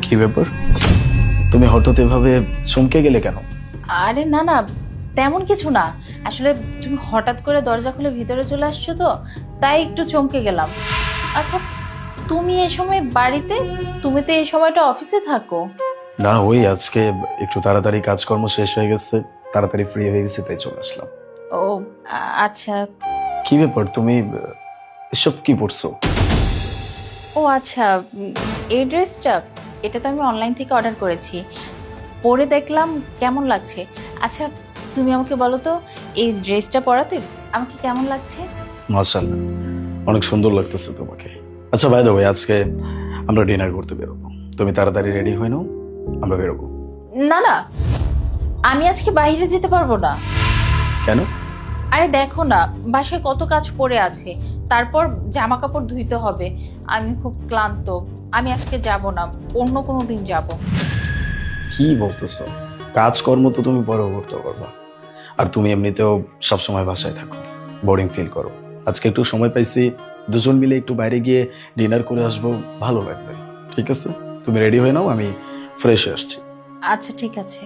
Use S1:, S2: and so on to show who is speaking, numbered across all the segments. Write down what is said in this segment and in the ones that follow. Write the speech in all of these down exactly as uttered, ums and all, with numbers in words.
S1: কি ব্যাপার, তুমি হঠাৎ এভাবে চমকে গেলে কেন?
S2: আরে না না, তেমন কিছু না। আসলে তুমি হঠাৎ করে দরজা খুলে ভিতরে চলে আসছো তো, তাই একটু চমকে গেলাম। আচ্ছা, তুমি এই সময় বাড়িতে? তুমি তো এই সময়টা অফিসে থাকো।
S1: না, ওই আজকে একটু তাড়াতাড়ি কাজকর্ম শেষ হয়ে গেছে, তাড়াতাড়ি ফ্রি হয়ে গেছে, তাই চলে আসলাম।
S2: ও আ- আচ্ছা।
S1: কি ব্যাপার, তুমি এসব কি পড়ছো?
S2: ও আচ্ছা, উম, এই ড্রেসটা, এটা তো আমি অনলাইন থেকে অর্ডার করেছি। পরে দেখলাম কেমন লাগছে। আচ্ছা, তুমি আমাকে বলো তো, এই ড্রেসটা পরাতে আমাকে কেমন লাগছে?
S1: মাশাআল্লাহ, অনেক সুন্দর লাগতেছে তোমাকে। আচ্ছা বাই দ্য ওয়ে, আজকে আমরা ডিনার করতে বেরোবো, তুমি তাড়াতাড়ি রেডি হয়ে নাও, আমরা বেরোবো।
S2: না না, আমি আজকে বাইরে যেতে পারবো না।
S1: কেন?
S2: আরে দেখো না, বাসায় কত কাজ পড়ে আছে, তারপর জামা কাপড় ধুইতে হবে। আমি খুব ক্লান্ত, আমি আজকে যাব না, অন্য কোনো দিন যাব।
S1: কি বলতেছো? কাজকর্ম তো তুমি বড় করতে পারবা, আর তুমি এমনিতেও সবসময় বাসায় থাকো, বোরিং ফিল করো। আজকে একটু সময় পাইছি, দুজন মিলে একটু বাইরে গিয়ে ডিনার করে আসবো, ভালো লাগবে। ঠিক আছে, তুমি রেডি হয়ে নাও, আমি ফ্রেশ হয়ে আসছি।
S2: আচ্ছা ঠিক আছে।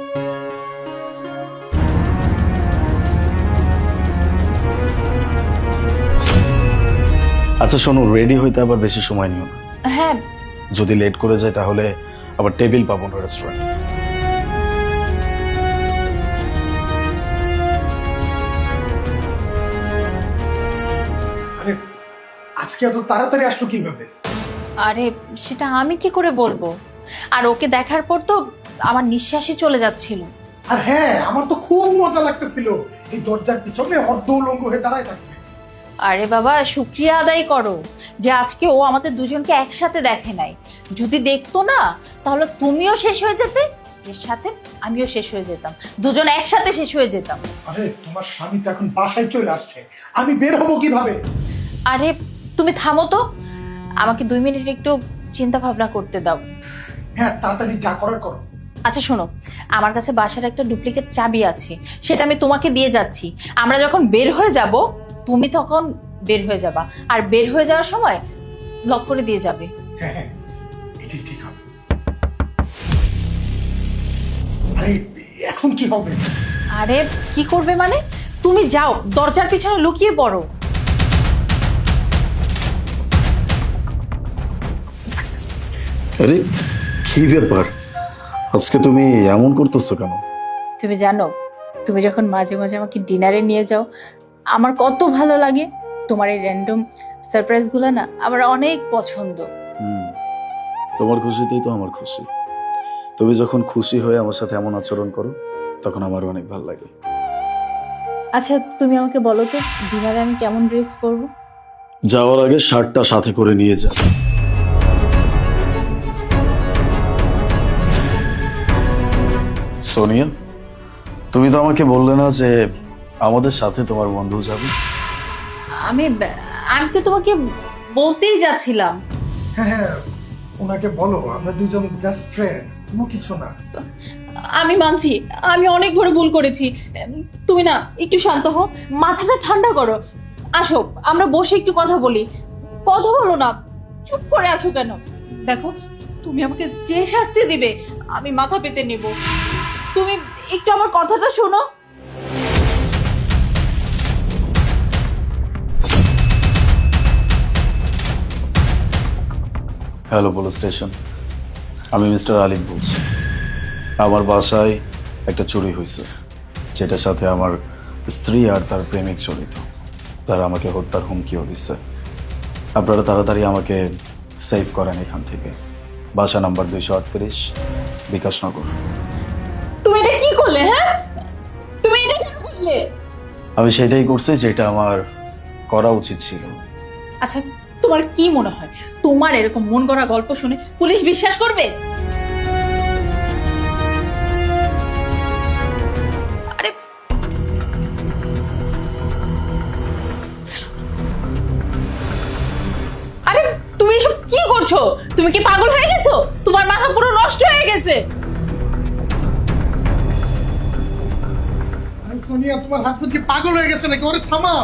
S1: আচ্ছা শোনো, রেডি হইতে আবার বেশি সময় নিও না,
S2: হ্যাঁ।
S1: যদি লেট করে যায় তাহলে আবার টেবিল পাবো না রেস্টুরেন্টে।
S3: আরে আজকে এত তাড়াতাড়ি আসলো কিভাবে?
S2: আরে সেটা আমি কি করে বলবো, আর ওকে দেখার পর তো আমার নিঃশ্বাসই চলে যাচ্ছিল।
S3: আর হ্যাঁ, আমার তো খুব মজা লাগতেছিল এই দরজার পিছনে অর্ধ উলঙ্গ হয়ে দাঁড়ায় থাকবে।
S2: আরে বাবা, শুক্রিয়া আদায় করো যে আজকে ও আমাদের দুজনকে একসাথে দেখে নাই। যদি দেখতো না, তাহলে তুমিও শেষ হয়ে যেতে, এর সাথে আমিও শেষ হয়ে যেতাম, দুজন একসাথে শেষ হয়ে যেতাম।
S3: আরে তোমার স্বামী তো এখন বাসায় চলে আসছে, আমি বের হবো কিভাবে?
S2: আরে তুমি থামো তো, আমাকে দুই মিনিট একটু চিন্তা ভাবনা করতে দাও।
S3: হ্যাঁ, তাড়াতাড়ি যা করার করো।
S2: আচ্ছা শোনো, আমার কাছে বাসার একটা ডুপ্লিকেট চাবি আছে, সেটা আমি তোমাকে দিয়ে যাচ্ছি। আমরা যখন বের হয়ে যাব, তুমি তখন বের হয়ে যাবা, আর বের হয়ে যাওয়ার সময় লক করে দিয়ে যাবে।
S3: হ্যাঁ হ্যাঁ, এটি ঠিক হবে। আরে এখন কি হবে?
S2: আরে কি করবে মানে, তুমি যাও দরজার পিছনে লুকিয়ে পড়ো।
S1: আরে কি ব্যাপার, আজকে তুমি এমন করতেছো কেন?
S2: তুমি জানো, তুমি যখন মাঝে মাঝে আমাকে ডিনারে নিয়ে যাও, আমার কত ভালো লাগে। তোমার এই র্যান্ডম সারপ্রাইজগুলো না আমার অনেক পছন্দ।
S1: হুম, তোমার খুশিতেই তো আমার খুশি। তুমি যখন খুশি হয়ে আমার সাথে এমন আচরণ করো, তখন আমার অনেক ভালো লাগে।
S2: আচ্ছা তুমি আমাকে বলো তো, ডিনারে আমি কেমন ড্রেস পরবো?
S1: যাওয়ার আগে শার্টটা সাথে করে নিয়ে যা। সোনিয়া, তুমি তো আমাকে বললে না যে আমাদের সাথে তোমার বন্ধু যাবে?
S2: আমি আমি তো তোমাকে বলতেই যাচ্ছিলাম।
S3: হ্যাঁ হ্যাঁ, ওনাকে বলো আমরা দুজন জাস্ট ফ্রেন্ড, কোনো কিছু না।
S2: আমি মানছি, আমি অনেক বড় ভুল করেছি। তুমি না একটু শান্ত হও, মাথাটা ঠান্ডা করো। আসো আমরা বসে একটু কথা বলি। কথা বলো না, চুপ করে আছো কেন? দেখো, তুমি আমাকে যে শাস্তি দিবে আমি মাথা পেতে নেব। তুমি একটু আমার কথাটা শোনো।
S1: হ্যালো পুলিশ স্টেশন, আমি মিস্টার আলিফ বলছি। আমার বাসায় একটা চুরি হয়েছে, যেটার সাথে আমার স্ত্রী আর তার প্রেমিক জড়িত। তারা আমাকে হত্যার হুমকিও দিচ্ছে। আপনারা তাড়াতাড়ি আমাকে সেভ করেন এখান থেকে। বাসা নাম্বার দুইশো আটত্রিশ, বিকাশনগর।
S2: তুমি এটা কি করলে? হ্যাঁ, তুমি এটা কেন করলে?
S1: আমি সেটাই করছি যেটা আমার করা উচিত ছিল।
S2: আচ্ছা, তোমার কি মনে হয় তোমার এরকম মন গড়া গল্প শুনে পুলিশ বিশ্বাস করবে? আরে আরে তুমি এসব কি করছো? তুমি কি পাগল হয়ে গেছো? তোমার মাথা পুরো নষ্ট হয়ে গেছে।
S3: আরে সোনিয়া, তোমার হাজবেন্ড কি পাগল হয়ে গেছে নাকি? ওরে থামাও।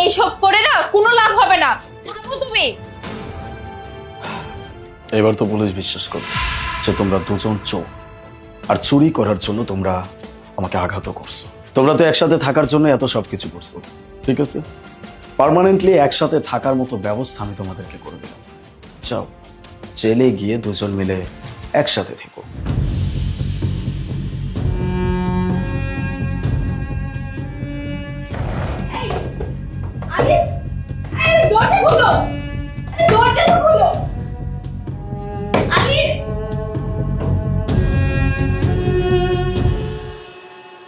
S2: এইসব করে না কোনো লাভ হবে না, থামো তুমি।
S1: এবার তো পুলিশ বিশ্বাস করবে যে তোমরা দুজন চোর, আর চুরি করার জন্য তোমরা আমাকে আঘাত করছো। তোমরা তো একসাথে থাকার জন্য এত সব কিছু করছো, ঠিক আছে? পার্মানেন্টলি একসাথে থাকার মতো ব্যবস্থা আমি তোমাদেরকে করে দিলাম। যাও জেলে গিয়ে দুজন মিলে একসাথে থেকো।